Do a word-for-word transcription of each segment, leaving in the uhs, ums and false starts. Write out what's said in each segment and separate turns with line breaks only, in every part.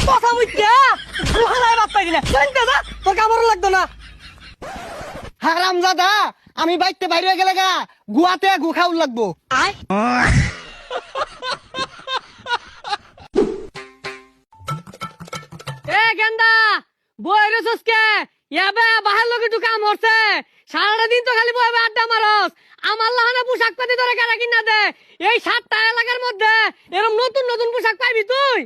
কথা বুঝতে হালাই বাদ পাই না জানতে যা তোর কামড় লাগতো না।
হারাম দাদা আমি বাইতে বাইরে গেলে গা গুয়াতে গু খাউল লাগবো।
এ গেন্দা বই রেছস কে ইয়াবে বাহার লগে ঢুকা মরছে সারাটা দিন তো খালি বইবে আড্ডা মারস। আমার লাহানে পোশাক পাতি ধরে কেনা কিনা দে এই সাতটা এলাকার মধ্যে এরকম নতুন নতুন পোশাক পাইবি তুই।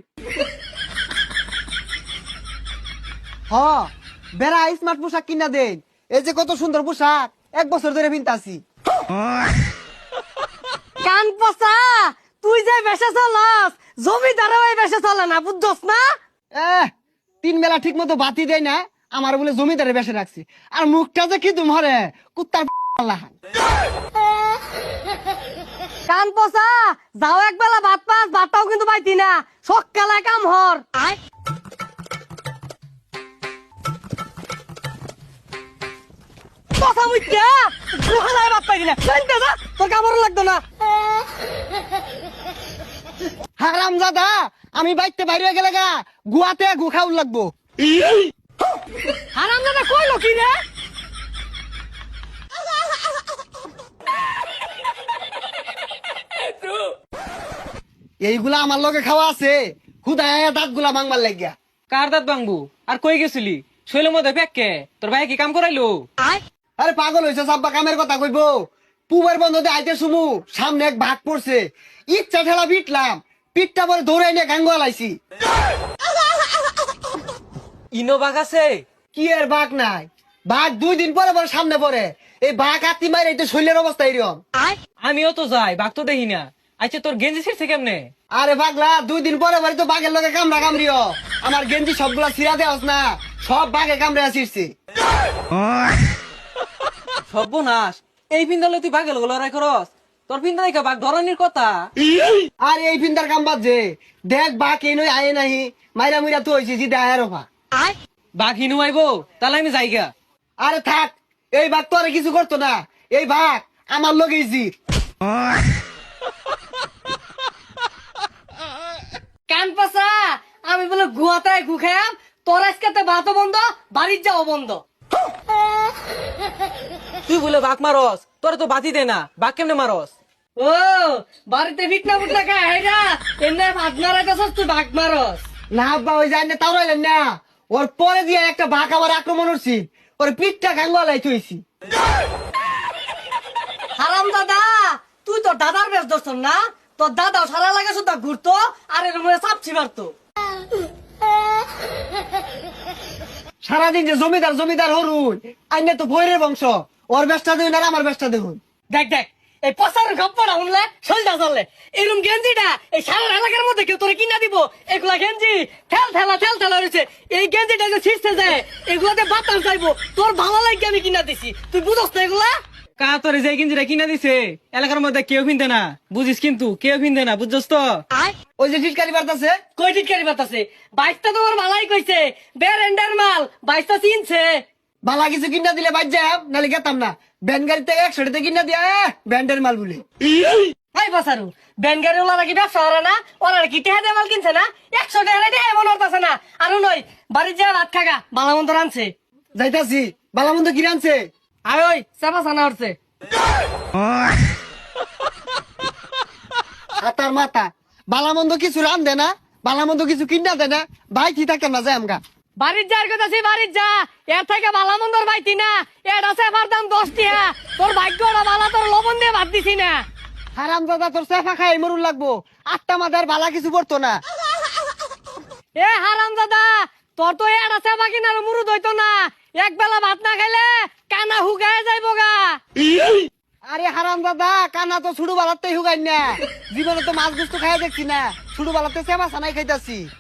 হ বেড়া স্মার্ট পোশাক কিনা দেন। এই যে কত সুন্দর পোশাক এক বছর ধরে পিনতাছি।
কান পচা তুই যে বেশে চলাস জমিদারও এই বেশে চলে না বুঝছস না।
এহ তিন বেলা ঠিক মতো বাতি দেয় না আমার বলে জমিদারে বেসে রাখছি আর মুখটা যে কি তোমারে কুত্তার লাহান।
কান পচা যাও একবেলা ভাত পাস ভাতটাও কিন্তু পাইতি না সকালে কাম হর। কথা বুঝতে হালাই বাদ পাই না জানতে যা তোর কামড় লাগতো না।
হারাম দাদা আমি বাইতে বাইরে গেলে গা গুয়াতে গু খাউল লাগবো।
হারাম দাদা কইলো কি রে?
এইগুলা আমার লগে খাওয়া আছে খুদায় দাঁত গুলা মাংবার লাগিয়া।
কার দাঁত ভাঙবো আর কই গেছিলি শৈলের মধ্যে প্যাককে তোর ভাই কি কাম করাইলো?
আরে পাগল হয়েছে সাব্বা কামের কথা কইবো। পুবের বন্ধতে আইতে সুমু সামনে এক ভাগ পড়ছে ইচ্ছা ঠেলা পিটলাম পিঠটা পরে ধরে এনে গাঙ্গুয়া লাইছি।
ইনো বাঘ আছে?
কি এর বাঘ নাই বাঘ দুই দিন পরে পরে সামনে পড়ে এই বাঘ আত্মি মারে এটা শৈলের অবস্থা এরকম।
আমিও তো যাই বাঘ তো দেখি না। আচ্ছা তোর গেঞ্জি ছিড়ছে কেমনে?
আরে পাগলা দুই দিন পরে পরে তো বাঘের লগে কামড়া কামড়িও আমার গেঞ্জি সবগুলা ছিড়া দেওয়াস না সব বাঘে কামড়ে আসিরছি।
সর্বনাশ এই পিন্দালে তুই বাঘের লগে লড়াই করস? তোর পিন্দা দেখা বাঘ ধরনের কথা।
আর এই ফিন্দার কাম বাদ যে দেখ বাঘ এই নই আয়ে নাহি মাইরা মুইরা তো হয়েছি জিদে আয়ের অফা।
বাঘ হিনু আইবো তাহলে আমি যাইগা।
আরে থাক এই বাঘ তো আর কিছু করতো না এই বাঘ আমার লগেই জি।
কান পচা আমি বলে গুয়াতে গু খাম তোর আজকে ভাতও বন্ধ বাড়ির যাও বন্ধ।
তুই বলে বাঘ মারস তোর তো বাতি দে না বাঘ কেমনে মারস?
ও বাড়িতে ফিটনা ফুটনা খায় হাইরা এমনি ভাত মারাইতেছস তুই ভাগ মারস।
না আব্বা ওই যায় না তাও রইলেন না ওর পরে দিয়ে একটা বাঘ আমার আক্রমণ হচ্ছি ওর পিঠটা গাঙ্গুয়া লাই থইছি।
হারাম দাদা তুই তোর দাদার বেশ দর্শন না তোর দাদাও সারা লাগে শুধু ঘুরতো আর এর মধ্যে চাপছি মারতো।
সারাদিন যে জমিদার জমিদার হরুন আইনে তো বৈরের বংশ ওর বেশটা দেখুন আর আমার বেশটা দেখুন।
দেখ দেখ এই পচার গপ্পটা শুনলে সলটা চললে এরকম গেঞ্জিটা এই সারা এলাকার মধ্যে কেউ তোরে কিনা দিব এগুলা গেঞ্জি ঠেল ঠেলা ঠেল ঠেলা রয়েছে এই গেঞ্জিটা যে ছিঁড়তে যায় এগুলাতে বাতাস চাইবো তোর ভালো লাগে আমি কিনা দিছি তুই বুঝস না এগুলা।
কা তোরে যে গেঞ্জিটা কিনা দিছে এলাকার মধ্যে কেউ পিনতে না বুঝিস কিন্তু কেউ পিনতে না বুঝছস তো।
ওই যে টিটকারি বার্তাছে
কই টিটকারি বাতাসে বাইশটা তোমার ভালাই কইছে বেরেন্ডার মাল বাইশটা চিনছে।
বালা কিছু কিনা দিলে বাদ যাম নাহলে গেতাম না ব্যান গাড়িতে একশোটাতে কিনা দিয়া ব্যান্ডের মাল বলে।
ভাই বাসারু ব্যান গাড়ি ওলা নাকি ব্যবসা করে না ওরা কি টেহা দিয়ে মাল কিনছে না একশো টাকা টেহা এমন হতাছে না আর নয় বাড়ির যা রাত খাগা বালা মন্দ রানছে
যাইতাছি বালামন্দ কি রানছে
আয় ওই চাপা ছানা উঠছে।
হাতার মাথা বালামন্দ কিছু রান দে না বালামন্দ কিছু কিনা দে না ভাই কি থাকেন না যায় আমগা।
বাড়ির যার কথা সে বাড়ির যা এর থেকে বালা মন্দর পাইতি না এটা সেফার দাম দশ টিয়া তোর ভাগ্যটা বালা তোর লবণ দিয়ে ভাত দিছি না।
হারাম দাদা তোর সেফা খাই মরুন লাগবো আটটা মাদার বালা কিছু পড়তো না।
এ হারাম দাদা তোর তো এটা সেফা কিনার মুরুদ হইতো না এক বেলা ভাত না খাইলে কানা হুগায় যাইবো গা।
আরে হারাম দাদা কানা তো ছুড়ু বালাতে হুগাই না জীবনে তো মাছ গুস্ত খাই দেখছি না ছুড়ু বালাতে সেবা সানাই খাইতাছি।